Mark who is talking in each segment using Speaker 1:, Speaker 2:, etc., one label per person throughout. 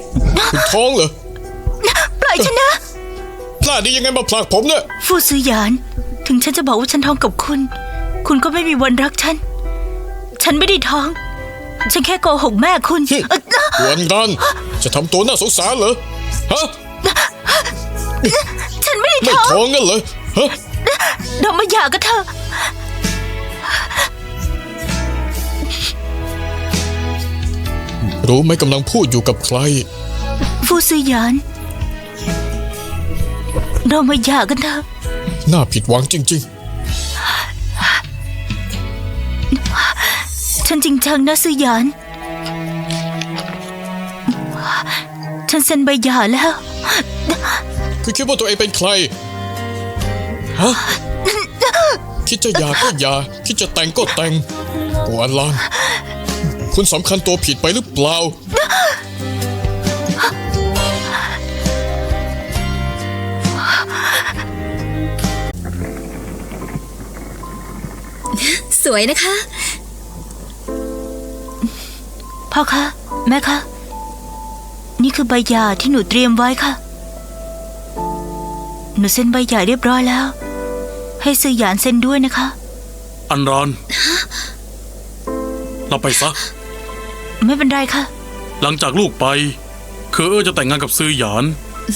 Speaker 1: คุณท้องเหรอ
Speaker 2: ปล่อยฉันนะ
Speaker 1: พลาดได้ยังไงมาผลักผมเนี่ย
Speaker 2: ฟูซือหยานถึงฉันจะบอกว่าฉันท้องกับคุณ คุณก็ไม่มีวันรักฉัน ฉันไม่ได้ท้อง ฉันแค่โกหกแม่คุณ
Speaker 1: วันกันจะทำตัวน่าสงสารเหรอฮะ
Speaker 2: ฉันไม่ได้
Speaker 1: ไม่ท้องงั้นเหรอฮะ
Speaker 2: เรามาหย่ากันเถอะ
Speaker 1: รู้ไหมกำลังพูดอยู่กับใคร
Speaker 2: ฟูซือหยานเรามาหย่ากันเถอะ
Speaker 1: น่าผิดหวังจริง
Speaker 2: ๆฉันจริงจังนะซือหยานฉันเซ็นใบหย่าแล้ว
Speaker 1: คือคิดว่าตัวเองเป็นใครฮะคิดจะหย่าก็หย่าคิดจะแต่งก็แต่งกัวลางคุณสำคัญตัวผิดไปหรือเปล่า
Speaker 3: สวยนะคะ
Speaker 2: พ่อคะแม่คะนี่คือใบหย่าที่หนูเตรียมไว้ค่ะหนูเซ็นใบหย่าเรียบร้อยแล้วให้ซือหยานเซ็นด้วยนะคะ
Speaker 4: อันรอนเราไปซะ
Speaker 2: ไม่เป็นไรค่ะ
Speaker 4: หลังจากลูกไปจะแต่งงานกับซือหยาน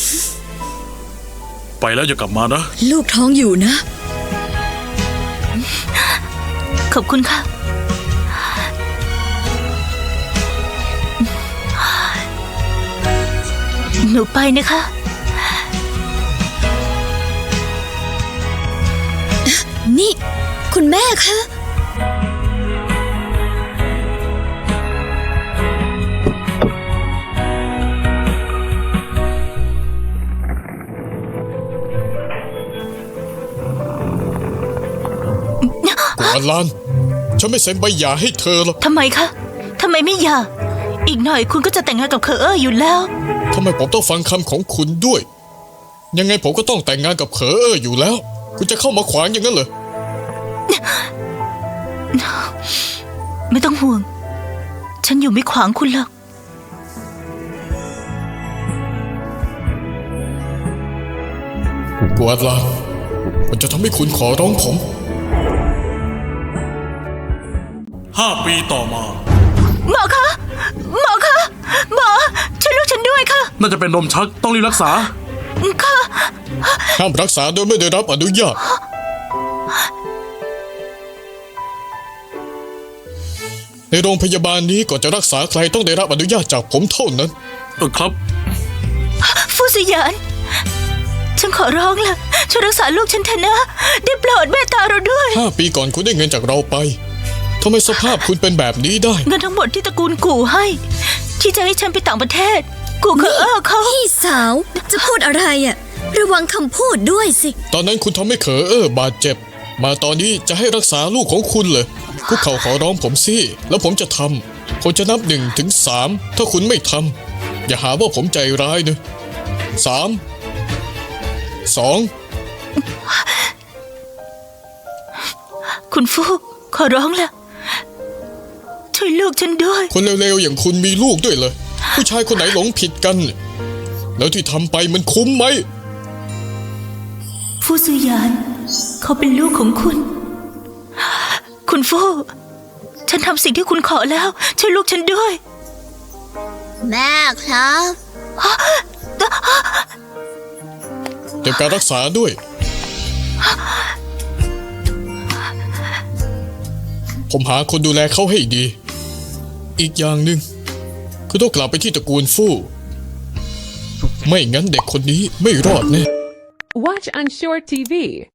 Speaker 4: ไปแล้วอย่ากลับมานะ
Speaker 3: ลูกท้องอยู่นะ
Speaker 2: ขอบคุณค่ะหนูไปนะคะ
Speaker 3: นี่คุณแม่คะ
Speaker 1: กัวลานฉันไม่เซ็นใบหย่าให้เธอหรอก
Speaker 2: ทำไมคะทำไมไม่หย่าอีกหน่อยคุณก็จะแต่งงานกับเคออยู่แล้ว
Speaker 1: ทำไมผมต้องฟังคำของคุณด้วยยังไงผมก็ต้องแต่งงานกับเคออยู่แล้วคุณจะเข้ามาขวางอย่างนั้นเหรอ
Speaker 2: ไม่ต้องห่วงฉันอยู่ไม่ขวางคุณหรอก
Speaker 1: กัวลานมันจะทำให้คุณขอร้องผม
Speaker 4: 5 ปีต่อมา
Speaker 2: หมอคะหมอคะหมอช่วยลูกฉันด้วยค่ะ
Speaker 4: น่าจะเป็นลมชักต้องรีบรักษา
Speaker 2: ค่ะ
Speaker 1: ห้ามรักษาโดยไม่ได้รับอนุญาตในโรงพยาบาลนี้ก่อนจะรักษาใครต้องได้รับอนุญาตจากผมเท่านั้น
Speaker 4: ครับ
Speaker 2: ฟูซือหยานฉันขอร้องล่ะช่วยรักษาลูกฉันเถอะนะได้โปรดเมตตาเราด้วย
Speaker 1: 5 ปีก่อนคุณได้เงินจากเราไปทำไมสภาพคุณเป็นแบบนี้ได้
Speaker 2: เงินทั้งหมดที่ตระกูลกู่ให้ที่จะให้ฉันไปต่างประเทศกูเขา
Speaker 3: พี่สาวจะพูดอะไรอ่ะระวังคำพูดด้วยสิ
Speaker 1: ตอนนั้นคุณทำให้บาดเจ็บมาตอนนี้จะให้รักษาลูกของคุณเหรอคุกเข่าขอร้องผมสิแล้วผมจะทำผมจะนับ1 ถึง 3ถ้าคุณไม่ทำอย่าหาว่าผมใจร้ายนะ3 2
Speaker 2: คุณฟูขอร้องล่ะช่วยลูกฉันด้วย
Speaker 1: คนเร็วๆอย่างคุณมีลูกด้วยเหรอผู้ชายคนไหนหลงผิดกันแล้วที่ทำไปมันคุ้มไหม
Speaker 2: ฟูซือหยานเขาเป็นลูกของคุณคุณฟูฉันทำสิ่งที่คุณขอแล้วช่วยลูกฉันด้วย
Speaker 3: แม่ครับ
Speaker 1: เก็บการรักษาด้วยผมหาคนดูแลเขาให้ดีอีกอย่างหนึ่งคือต้องกลับไปที่ตระกูลฟู่ไม่งั้นเด็กคนนี้ไม่รอดแน่
Speaker 5: Watch on Short TV.